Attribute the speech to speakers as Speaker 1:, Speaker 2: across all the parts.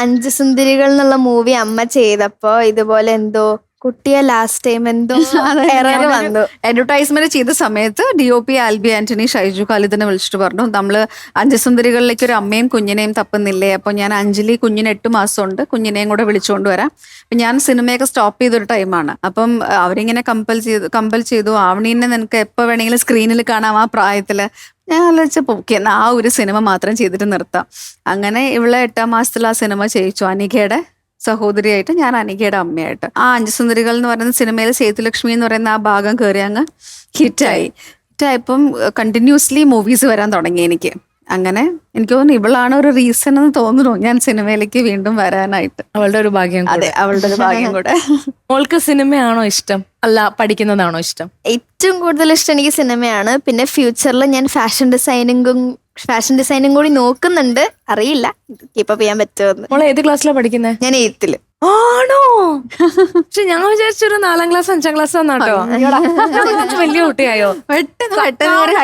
Speaker 1: അഞ്ച് സുന്ദരികൾ എന്നുള്ള മൂവി അമ്മ ചെയ്തപ്പോ ഇതുപോലെ എന്തോ കുട്ടിയെ ലാസ്റ്റ് ടൈം എന്തോ എറർ വന്നു.
Speaker 2: അഡ്വർടൈസ്മെന്റ് ചെയ്ത സമയത്ത് DOP ആൽബി ആന്റണി ഷൈജു ഖാലിദിനെ വിളിച്ചിട്ട് പറഞ്ഞു, നമ്മള് അഞ്ച് സുന്ദരികളിലേക്ക് ഒരു അമ്മയും കുഞ്ഞിനെയും തപ്പുന്നില്ലേ, അപ്പൊ ഞാൻ അഞ്ജലി കുഞ്ഞിന് 8 മാസമുണ്ട്, കുഞ്ഞിനെയും കൂടെ വിളിച്ചുകൊണ്ട് വരാം. അപ്പൊ ഞാൻ സിനിമയൊക്കെ സ്റ്റോപ്പ് ചെയ്തൊരു ടൈമാണ്. അപ്പം അവരിങ്ങനെ കമ്പൽ ചെയ്തു ആവണീനെ നിനക്ക് എപ്പോ വേണമെങ്കിലും സ്ക്രീനിൽ കാണാം ആ പ്രായത്തില്. ഞാൻ ആലോചിച്ചപ്പോ ഓക്കെ എന്നാ ആ ഒരു സിനിമ മാത്രം ചെയ്തിട്ട് നിർത്താം. അങ്ങനെ ഇവളെ 8ാം മാസത്തിൽ ആ സിനിമ ചെയ്യിച്ചു. അനികയുടെ സഹോദരിയായിട്ട്, ഞാൻ അനികയുടെ അമ്മയായിട്ട്. ആ അഞ്ച് സുന്ദരികൾ എന്ന് പറയുന്ന സിനിമയിൽ സേതുലക്ഷ്മി എന്ന് പറയുന്ന ആ ഭാഗം കയറി അങ്ങ് ഹിറ്റായിപ്പം കണ്ടിന്യൂസ്ലി മൂവീസ് വരാൻ തുടങ്ങി എനിക്ക്. അങ്ങനെ എനിക്ക് തോന്നുന്നു ഇവളാണ് ഒരു റീസൺ എന്ന് തോന്നുന്നു ഞാൻ സിനിമയിലേക്ക് വീണ്ടും വരാനായിട്ട്.
Speaker 3: അവളുടെ ഒരു ഭാഗ്യം.
Speaker 2: അതെ, അവളുടെ ഒരു ഭാഗ്യം കൂടെ.
Speaker 3: മോൾക്ക് സിനിമയാണോ ഇഷ്ടം അല്ല പഠിക്കുന്നതാണോ ഇഷ്ടം?
Speaker 1: ഏറ്റവും കൂടുതൽ ഇഷ്ടം എനിക്ക് സിനിമയാണ്. പിന്നെ ഫ്യൂച്ചറിൽ ഞാൻ ഫാഷൻ ഡിസൈനിങ് കൂടി നോക്കുന്നുണ്ട്. അറിയില്ല കീപ്പ് ചെയ്യാൻ പറ്റുമെന്ന്.
Speaker 3: മോളെ ഏത് ക്ലാസ്സിലാണ് പഠിക്കുന്നത്?
Speaker 1: ഞാൻ 8th.
Speaker 3: ആണോ? പക്ഷെ ഞാൻ വിചാരിച്ചൊരു 4ാം ക്ലാസ് 5ാം ക്ലാസ് ആണോ? വലിയ കുട്ടിയായോ?
Speaker 2: പെട്ടെന്ന് ഒരു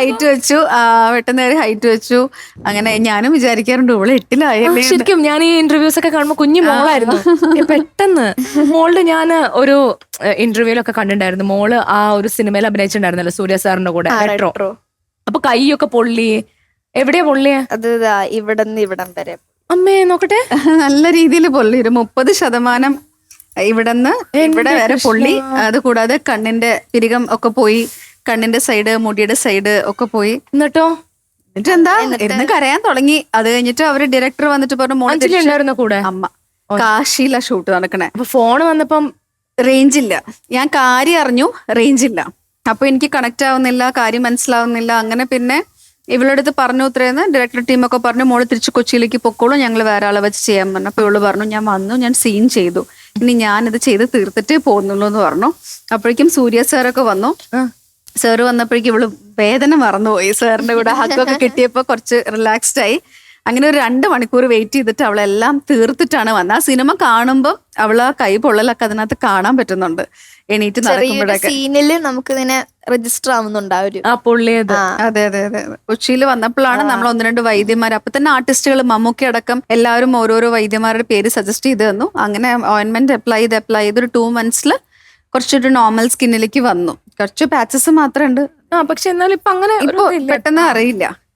Speaker 2: ഹൈറ്റ് വെച്ചു. അങ്ങനെ ഞാനും വിചാരിക്കാറുണ്ട് ഇവള് 8ലായല്ലേ.
Speaker 3: ശരിക്കും ഞാൻ ഈ ഇന്റർവ്യൂസ് ഒക്കെ കാണുമ്പോ കുഞ്ഞു മോളായിരുന്നു. പെട്ടെന്ന് മോളുടെ ഞാൻ ഒരു ഇന്റർവ്യൂലൊക്കെ കണ്ടിട്ടുണ്ടായിരുന്നു. മോള് ആ ഒരു സിനിമയിൽ അഭിനയിച്ചിട്ടുണ്ടായിരുന്നല്ലോ സൂര്യ സാറിന്റെ കൂടെ, മെട്രോ. അപ്പൊ കൈയൊക്കെ പൊള്ളി. എവിടെയാ പൊള്ളിയ?
Speaker 1: അത് ഇവിടം വരെ.
Speaker 3: അമ്മേ നോക്കട്ടെ.
Speaker 2: നല്ല രീതിയിൽ പൊള്ളി. ഒരു 30% ഇവിടെന്ന് ഇവിടെ വരെ പൊള്ളി. അത് കൂടാതെ കണ്ണിന്റെ പിരികം ഒക്കെ പോയി, കണ്ണിന്റെ സൈഡ്, മുടിയുടെ സൈഡ് ഒക്കെ പോയി.
Speaker 3: എന്നിട്ടോ?
Speaker 2: എന്നിട്ട് ഇരുന്ന് കരയാൻ തുടങ്ങി. അത് കഴിഞ്ഞിട്ട് അവര് ഡയറക്ടർ വന്നിട്ട് പറഞ്ഞു
Speaker 3: കൂടെ
Speaker 2: അമ്മ കാശിയില ഷൂട്ട് നടക്കണേ.
Speaker 3: അപ്പൊ ഫോൺ വന്നപ്പം
Speaker 2: റേഞ്ച് ഇല്ല. ഞാൻ കാര്യം അറിഞ്ഞു, റേഞ്ച് ഇല്ല. അപ്പൊ എനിക്ക് കണക്ട് ആവുന്നില്ല, കാര്യം മനസ്സിലാവുന്നില്ല. അങ്ങനെ പിന്നെ ഇവളുടെ അടുത്ത് പറഞ്ഞു ഇത്രയെന്ന് ഡയറക്ടർ ടീമൊക്കെ പറഞ്ഞു, മോള് തിരിച്ച് കൊച്ചിയിലേക്ക് പൊക്കോളൂ, ഞങ്ങൾ വേറെ ആളെ വെച്ച് ചെയ്യാൻ പറഞ്ഞു. അപ്പൊ ഇവള് പറഞ്ഞു ഞാൻ വന്നു, ഞാൻ സീൻ ചെയ്തു, ഇനി ഞാനിത് ചെയ്ത് തീർത്തിട്ടേ പോകുന്നുള്ളൂ എന്ന് പറഞ്ഞു. അപ്പോഴേക്കും സൂര്യ സാറൊക്കെ വന്നു. സാറ് വന്നപ്പോഴേക്കും ഇവള് വേദന മറന്നുപോയി. സാറിന്റെ കൂടെ ഹഗ്ഗൊക്കെ കിട്ടിയപ്പോ കുറച്ച് റിലാക്സ്ഡ് ആയി. അങ്ങനെ ഒരു 2 മണിക്കൂർ വെയിറ്റ് ചെയ്തിട്ട് അവളെല്ലാം തീർത്തിട്ടാണ് വന്നത്. ആ സിനിമ കാണുമ്പോൾ അവള് ആ കൈ പൊള്ളലൊക്കെ അതിനകത്ത് കാണാൻ പറ്റുന്നുണ്ട്. എണീറ്റ് നടക്കുമ്പോഴൊക്കെ
Speaker 1: സീനില് നമുക്ക് ഇങ്ങനെ രജിസ്റ്റർ ആവുന്നുണ്ടാവും.
Speaker 2: അതെ. കൊച്ചിയിൽ വന്നപ്പോഴാണ് നമ്മൾ 1-2 വൈദ്യന്മാർ, അപ്പൊ തന്നെ ആർട്ടിസ്റ്റുകൾ മമ്മൂക്കി അടക്കം എല്ലാവരും ഓരോരോ വൈദ്യന്മാരുടെ പേര് സജസ്റ്റ് ചെയ്ത് തന്നു. അങ്ങനെ ഓയിൻമെന്റ് അപ്ലൈ ചെയ്ത് ഒരു 2 monthsൽ കുറച്ചൊരു നോർമൽ സ്കിന്നിലേക്ക് വന്നു. കുറച്ച് പാച്ചസ് മാത്രമേ ഉണ്ട്.
Speaker 3: പക്ഷെ എന്നാലും ഇപ്പൊ അങ്ങനെ
Speaker 2: ഇപ്പൊ പെട്ടെന്ന് അറിയില്ല.